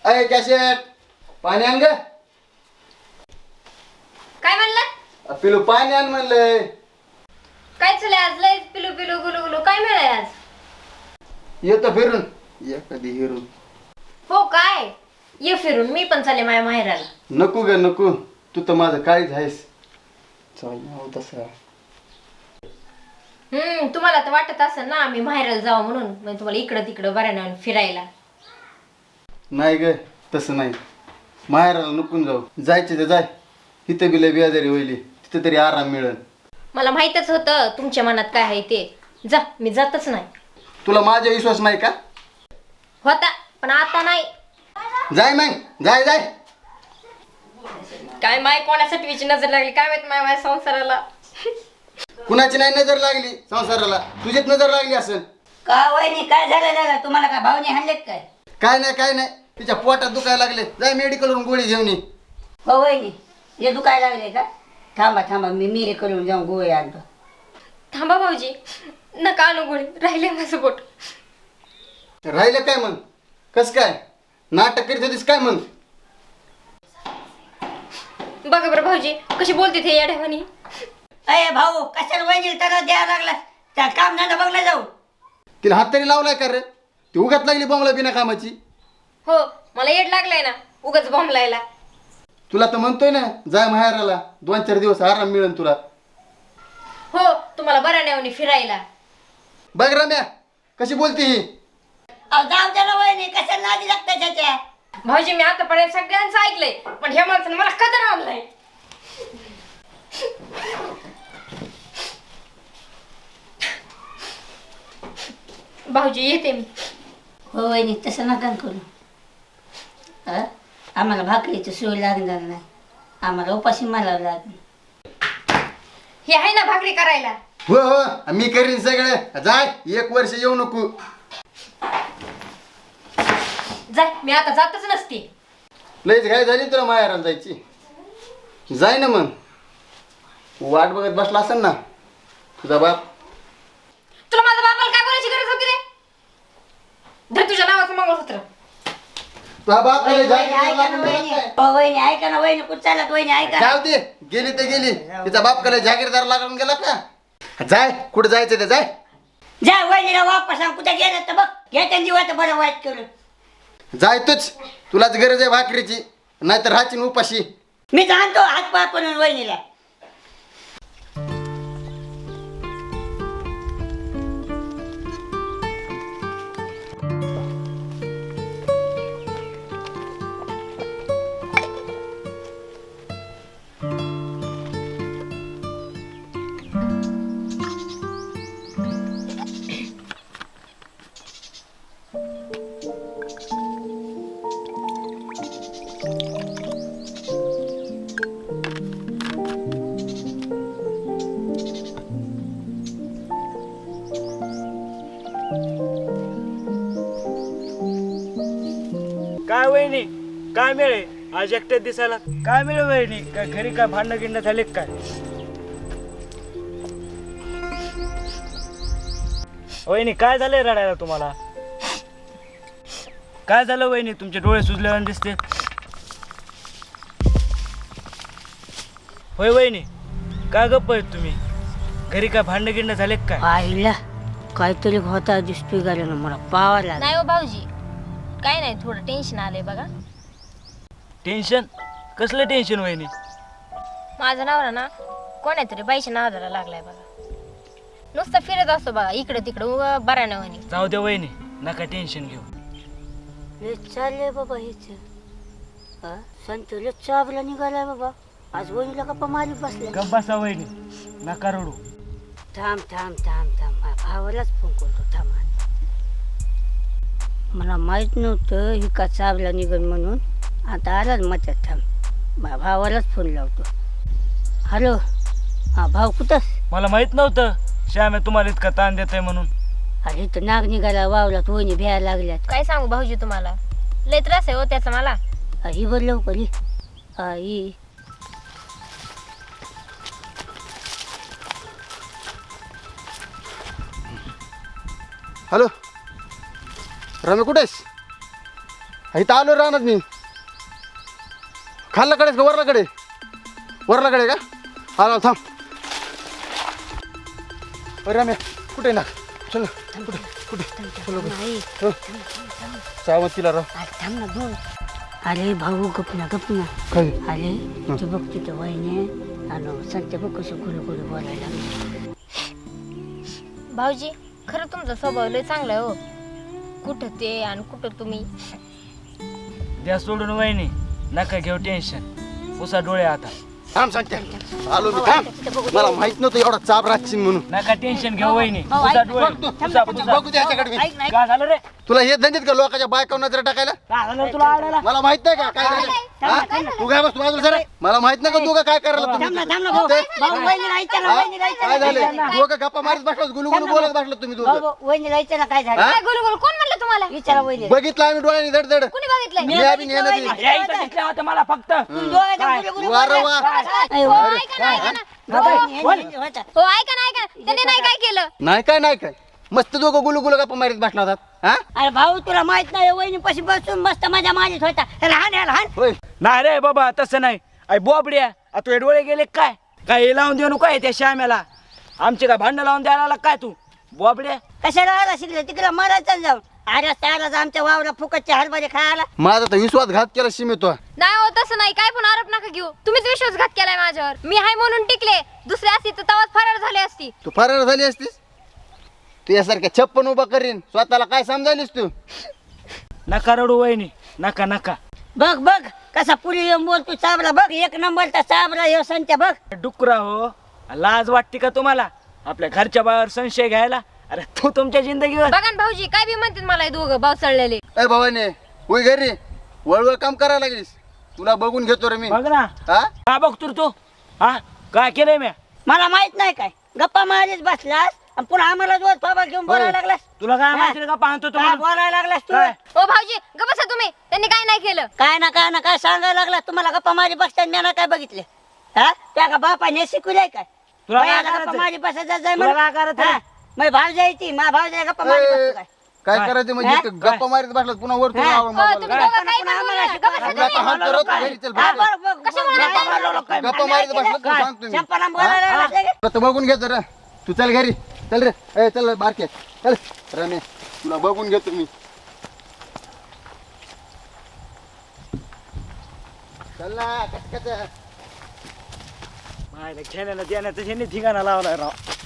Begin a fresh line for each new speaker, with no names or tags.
अय कॅशेट पाणी आण ग.
काय म्हणलं?
पिलू पाणी आण म्हणलंय.
काय चालू आज लय पिलू पिलू गुलू गुलू काय मिळाय आज?
येतो फिरून ये कधी हिरून.
हो काय ये फिरून मी पण चाले माझ्या माहेराला.
नको ग नको, तू तर माझं काळीच आहेस. चल हो तसं.
तुम्हाला तर वाटत असेल ना आम्ही माहेराला जाऊ म्हणून, म्हणजे तुम्हाला इकडं तिकडं बऱ्यानं फिरायला.
नाही ग तसं नाही, माहेराला नुकून जाऊ. जायचे तर जाय, इथं बिल बियाजारी होईल, तिथं तरी आराम मिळेल.
मला माहीतच होतं तुमच्या मनात काय आहे ते. जा मी जातच नाही.
तुला माझा विश्वास नाही का?
होता पण आता नाही.
जाय मग जाय जाय.
काय माय कोणासाठी नजर लागली काय माहित माझ्या संसाराला.
कुणाची नाही नजर लागली संसाराला, तुझीच नजर लागली असेल.
का वहिनी काय झालं दादा? तुम्हाला काय भावने हाणलेत काय?
काय नाही तिच्या पोटात दुखायला लागले. जाय मेडिकलवरून गोळी घेऊन ये.
हो वहिनी हे दुखायला लागले का? थांबा मी मेडिकलवरून जाऊन गोळी आणतो.
थांबा भाऊजी नका आणू गोळी, राहिले माझं बोट.
राहिलं काय मग? कस काय नाटक करीत होतीस काय मग?
बघा बरं भाऊजी कशी बोलते ते या म्हणी.
अरे भाऊ कशाला वहिनीला त्याला द्यायला लागला? त्या काम धंदा बघला जाऊ.
तिला हात तरी लावलाय का रे? ती उगाच लागली बॉम्बला बिना कामाची.
हो मला येड लागलाय ना उगाच बॉम्ब लायला.
तुला तर म्हणतोय ना जाय माहेराला, 2-4 दिवस आराम मिळेल तुला.
हो तुम्हाला बऱ्या नेवणी फिरायला.
बघ रम्या कशी बोलती ही.
अहो जाऊ दे ना वहिनी, कशाला नादी लागतं त्याच्या?
भाऊजी मी आतापर्यंत सगळ्यांचं ऐकलंय पण ह्या माणसानं मला कदर आणलाय. भाऊजी येते मी.
हो वहिनी तसं नका करू. आम्हाला भाकरीची सोय लागणार नाही, आम्हाला उपाशी मारावं लागेल.
हे आहे ना भाकरी करायला.
हो मी करीन सगळं. जाय 1 वर्ष येऊ नको.
जाय मी आता जातच नसते.
लईच घाय झाली तुला माहेराला जायची. जाय ना मग, वाट बघत बसला असेल ना तुझा बाप.
तुला माझ्या बापाला काय बोलायची गरज होती रे? धर तुझ्या नावाचं मंगळसूत्र.
तुझा बाप
वहिनी ऐका ना वहिनी. हो वहिनी ऐका ना वहिनी, कुठं चालत वहिनी ऐका.
जाऊ दे, गेली तर गेली. तिचा बाप कडे जागीरदार लागून गेला का? जाय कुठं जायचं ते जाय.
जा वहिनीला वापस सांग कुठे गेलं तर बघ. घेत्या जीवाचं बरं वाईट करून.
जाय तूच, तुलाच गरज आहे भाकरीची, नाहीतर राहशील उपाशी.
मी जाणतो हात पाय पडून वहिनीला.
काय वहिनी काय मिळे आज एकट्यात दिसायला? काय मिळे वहिनी? काय घरी काय भांडणं गिंड झाले काय? वहिनी काय झालंय रडायला तुम्हाला? काय झालं वहिनी? तुमचे डोळे सुजल्यावर दिसते. होय वहिनी काय गप्प आहेत तुम्ही? घरी काय भांडणं गिंड झाले काय?
आईला काहीतरी होता दिसतोय गाड्यानं, मला पावा लागला.
नाही हो भाऊजी काय नाही, थोडं टेन्शन आलंय बघा.
टेन्शन? कसलं टेन्शन वहिनी?
माझा नवरा ना कोणातरी बाईच्या नादाला लागलाय बघा. नुसतं फिरत असतो बघा इकडं तिकडं बऱ्या नवनी.
जाऊ द्या वहिनी, नका टेन्शन घेऊ.
लय चाललंय बाबा हेच. संतोष चाबला निघालाय बाबा. आज वहिनीला गप्पा मारी बसले.
गप्प बसा वहिनी, नका रडू.
थांब भावालाच फोन करतो. थांब, मला माहित नव्हतं ही का चावला निघन म्हणून. आता आलाच मच्यात. थांब भावालाच फोन लावतो. हॅलो भाऊ कुठंस?
मला माहित नव्हतं श्याम्या तुम्हाला इतका ताण देत आहे म्हणून.
अरे इथं नाग निघाला वावलात, वहिनी भ्यायला लागल्यात.
काय सांगू भाऊजी तुम्हाला, लय त्रास आहे हो त्याचा मला.
ही बर लवकर ही. ही
हॅलो रम्या कुठे आहेस? इथं आलो राहणार मी. खाल्लाकडेच का वरलाकडे? वरलाकडे का? आलो थांब. अरे रम्या कुठे ना? चल ना. कुठे चल
नाही
सावंतीला राह.
थांब ना दोन. अरे भाऊ गपना गपना.
काय
अरे तू बघ तिथं वहिने आणि संत बघ कसं गुरु गुरु बोलायला लागले.
भाऊजी खरं तुमचा स्वभाव लय चांगला आहे हो. कुठं ते आणि कुठं तुम्ही.
द्या सोडून वहिनी, नका घेऊ टेन्शन. उसा डोळे आता.
थांब सांगते आलो मी. थांब. मला माहित नव्हतं एवढा चाप राहशील म्हणून.
नका टेन्शन घेऊ वहिनी.
भाऊ,
उसा
ऐक,
डोळे.
बघू दे ह्याच्याकडे मी.
ऐक नाही
काय झालं रे?
तुला हे धंदेत का लोकांच्या बायकावर नजर टाकायला?
काय झालं तुला आडायला?
मला माहित नाही का काय झालं? हा? तू काय बस बाजूला सर. मला माहित नाही का तू काय करायला
थांब
तुम्ही?
ना थांब ना भाऊ. भाऊ वहिनी राहायचं ना
हा?
वहिनी राहायचं
काय
ना.
झालं? तू का गप्पा मारत बसलास गुलगुलू बोलत बसलात तुम्ही
भाऊ
दोघं?
भाऊ, वहिनी राहायचं ना काय झालं.
हा?
काय गुलू गुलू कोण म्हणलं तुम्हाला?
विचारा वहिनी.
बघितलं आम्ही डोळ्याने धड धड.
कुणी बघितलंय?
मी आम्ही नेलं ती.
या इथं दिसल्या होत्या मला फक्त.
वार वा.
हो ऐका ना ऐका ना. हो ऐका ना ऐका ना. त्याने नाही काय केलं.
नाही काय नाही काय मस्त दोघं गुलगुलू गप्पा मारत बसला होतात. हा
अरे भाऊ तुला माहित नाही वहिनी पशी बसून मस्त माझ्या माझीच होता. लहान आहे लहान.
होय.
नाही रे बाबा तसं नाही. अय बोबड्या, आता तुझे डोळे गेले काय? काय हे लावून देऊ काय त्या श्याम्याला? आमचे काय भांडण लावून द्यायला आला काय तू बोबड्या?
कशाला आला शिकले तिकडे मरायचं जाऊन. अरे त्यालाच आमच्या वावरा फुकटचे हरभरे खायला.
माझा तर विश्वासघात केला शिमितो.
नाही हो तसं नाही. काय पण आरोप नका घेऊ. तुम्हीच विश्वासघात केलाय माझ्यावर. मी हाय म्हणून टिकले. दुसरी असती तर तवाच फरार झाली असती.
तू फरार झाली असतीस. तू यासारख्या 56 उभा करीन स्वतःला काय समजायलीस तू?
नका रडू वहिनी, नका नका.
बघ बघ कसा पुरी येऊन बोल तू चाबरा बघ. एक नंबरचा चाबरा यो संत्या बघ.
डुकरा हो, लाज वाटते का तुम्हाला आपल्या घरच्या बाहेर संशय घ्यायला? अरे तू तुमच्या जिंदगीवर.
बघा ना भाऊजी काय बी म्हणतात मला हे दोघं भाऊ चढलेले.
ए भावाने होय घरी वळवळ काम करायला लागलीस. तुला बघून घेतो रे मी.
बघ ना
हा
काय बघतो रे तू? हा काय केलंय मी?
मला माहित नाही काय गप्पा मारीच बसलास आणि पुन्हा आम्हाला जोर बाबा घेऊन बोलायला लागलास.
तुला काय माहिती का पाहतो
काय
तुम्हाला?
बोलायला लागलास तू?
काय?
ओ भाऊजी ग बसा तुम्ही. त्यांनी काय नाही केलं.
काय ना काय सांगायला लागला. तुम्हाला गप्पा मारी बसताना मी काय बघितले. हा त्या का बापाने शिकवलंय काय?
तुला काय
बायाला
करायचंय?
गप्पा मारी बसायचं जाय
तुला काय करायचंय?
मग भाव जायची मा भाव जाय गप्पा मारी बसतो काय?
काय
काय?
करायचं म्हणजे इथं गप्पा मारत बसलात पुन्हा वर तुला
हा?
आवाज
ओ,
मारायला
तुम्ही
लागला.
दोघं काय
पुन्हा
पण
आम्हाला
बोलू नका. ग बसा
तुला
तुम्ही.
आता हात करत घरी चल
हा,
बस.
बघ, बघ,
कशामुळे
बघ,
गप्पा
बघ,
मारलो?
बघ,
गप्पा मारत बसला तुला
काय?
सांगतो मी.
चंपाला बोलायला लागला का?
आता बघून घेतो रे. तू चल घरी चल रे. ए चल बारके चल रमे तुला बघून घेतो मी. चल ना कटकट.
मायला खेळण्याला देण्याचं ह्यांनी ठिकाणा लावलाय राव.